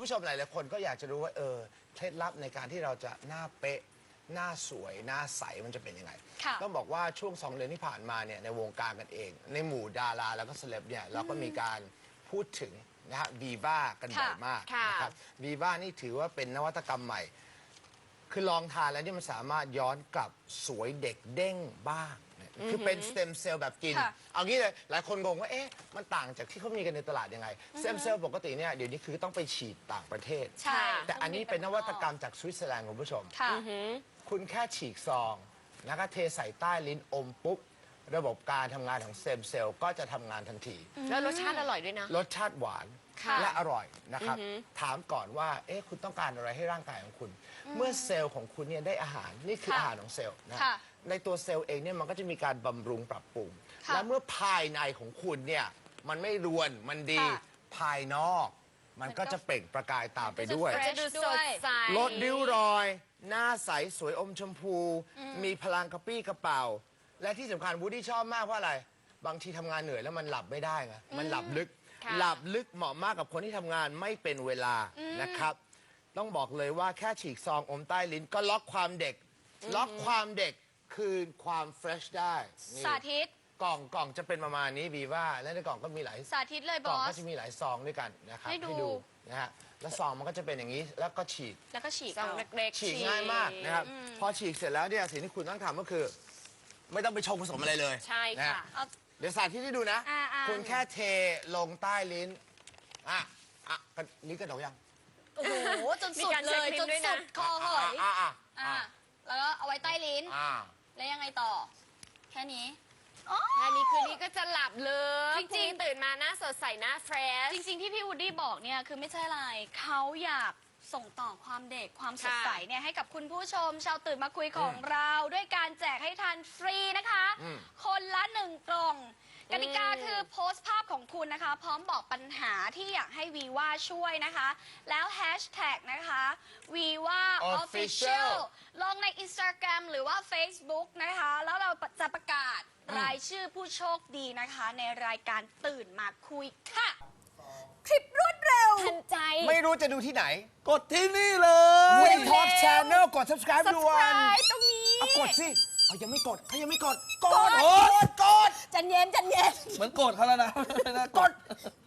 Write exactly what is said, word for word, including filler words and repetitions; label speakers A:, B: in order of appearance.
A: ผู้ชมหลายๆคนก็อยากจะรู้ว่าเออเคล็ดลับในการที่เราจะหน้าเป๊ะหน้าสวยหน้าใสมันจะเป็นยังไงต้องบอกว่าช่วงสองเดือนที่ผ่านมาเนี่ยในวงการกันเองในหมู่ดาราแล้วก็เซเลบเนี่ยเราก็มีการพูดถึงนะฮะวีวากันบ่อยมากนะครับวีวานี่ถือว่าเป็นนวัตกรรมใหม่คือลองทานแล้วนี่มันสามารถย้อนกลับสวยเด็กเด้งบ้างคือเป็นสเต็มเซลล์แบบกินเอางี้เลยหลายคนงงว่าเอ๊ะมันต่างจากที่เขามีกันในตลาดยังไงสเต็มเซลล์ปกติเนี่ยเดี๋ยวนี้คือต้องไปฉีดต่างประเทศ
B: ใช่
A: แต่อันนี้เป็นนวัตกรรมจากสวิตเซอร์แลนด์คุณผู้ชมคุณแค่ฉีกซองแล้วก็เทใส่ใต้ลิ้นอมปุ๊บระบบการทำงานของสเต็มเซลล์ก็จะทำงานทันที
B: แล้วรสชาติอร่อยด้วยนะ
A: รสชาติหวานและอร่อยนะครับถามก่อนว่าเอ๊ะคุณต้องการอะไรให้ร่างกายของคุณเมื่อเซลล์ของคุณเนี่ยได้อาหารนี่คืออาหารของเซลล์นะในตัวเซลล์เองเนี่ยมันก็จะมีการบำรุงปรับปรุงและเมื่อภายในของคุณเนี่ยมันไม่รวนมันดีภายนอกมันก็จะเปล่งประกายตามไปด้วย
B: จะดูสดใส
A: ลดริ้วรอยหน้าใสสวยอมชมพูมีพลังกระปี้กระเป๋าและที่สำคัญวูดดี้ชอบมากเพราะอะไรบางทีทำงานเหนื่อยแล้วมันหลับไม่ได้ไงมันหลับลึกหลับลึกเหมาะมากกับคนที่ทำงานไม่เป็นเวลานะครับต้องบอกเลยว่าแค่ฉีกซองอมใต้ลิ้นก็ล็อกความเด็กล็อกความเด็กคืนความเฟรชได้
C: สาธิต
A: กล่องกล่องจะเป็นประมาณนี้บีว่าและในกล่องก็มีหลาย
C: สาธิตเลยบอส
A: กล่องก็จะมีหลายซองด้วยกันนะครับให้ดูนะฮะแล้วซองมันก็จะเป็นอย่างนี้แล้วก็ฉีก
C: แล้วก็ฉีก
B: ซองเล็ก
A: ๆฉีกง่ายมากนะครับพอฉีกเสร็จแล้วเนี่ยสิ่งที่คุณต้องทำก็คือไม่ต้องไปชงผสมอะไรเลย
B: ใช่ค่ะ
A: เดี๋ยวสาธิตให้ดูนะคุณแค่เทลงใต้ลิ้นอ่ะอ่ะลิ้นกระดกยัง
C: โอ้โหจนสุดเลยจนสุดคอหอยอ่ะแล้วก็เอาไว้ใต้ลิ้นแล้วยังไงต่อแค่นี้
B: แค่นี้คืนนี้ก็จะหลับเลยจริงๆตื่นมาหน้าสดใสหน้าเฟรช
C: จริงๆที่พี่วูดดี้บอกเนี่ยคือไม่ใช่อะไรเขาอยากส่งต่อความเด็กความสดใสเนี่ยให้กับคุณผู้ชมชาวตื่นมาคุยของเราด้วยการแจกให้ทานฟรีนะคะคนละหนึ่งกล่องกติกาคือโพสต์ภาพของคุณนะคะพร้อมบอกปัญหาที่อยากให้วีว่าช่วยนะคะแล้วแฮชแท็กนะคะวีว่า Official ลงใน Instagram หรือว่า Facebook นะคะแล้วเราจะประกาศรายชื่อผู้โชคดีนะคะในรายการตื่นมาคุยค่ะคลิปรวดเร็ว
B: ทันใจ
A: ไม่รู้จะดูที่ไหน
D: กดที่นี่เลย
A: Woody Talk Channel กด subscribe ด่วน
C: subscribe ตรงนี้
A: เอากดสิเอายังไม่กดเขายังไม่กดกด
D: กด
A: กด
C: จันเย็นจันเย็น
D: เหมือนโกรธเขาแล้วนะ
A: กด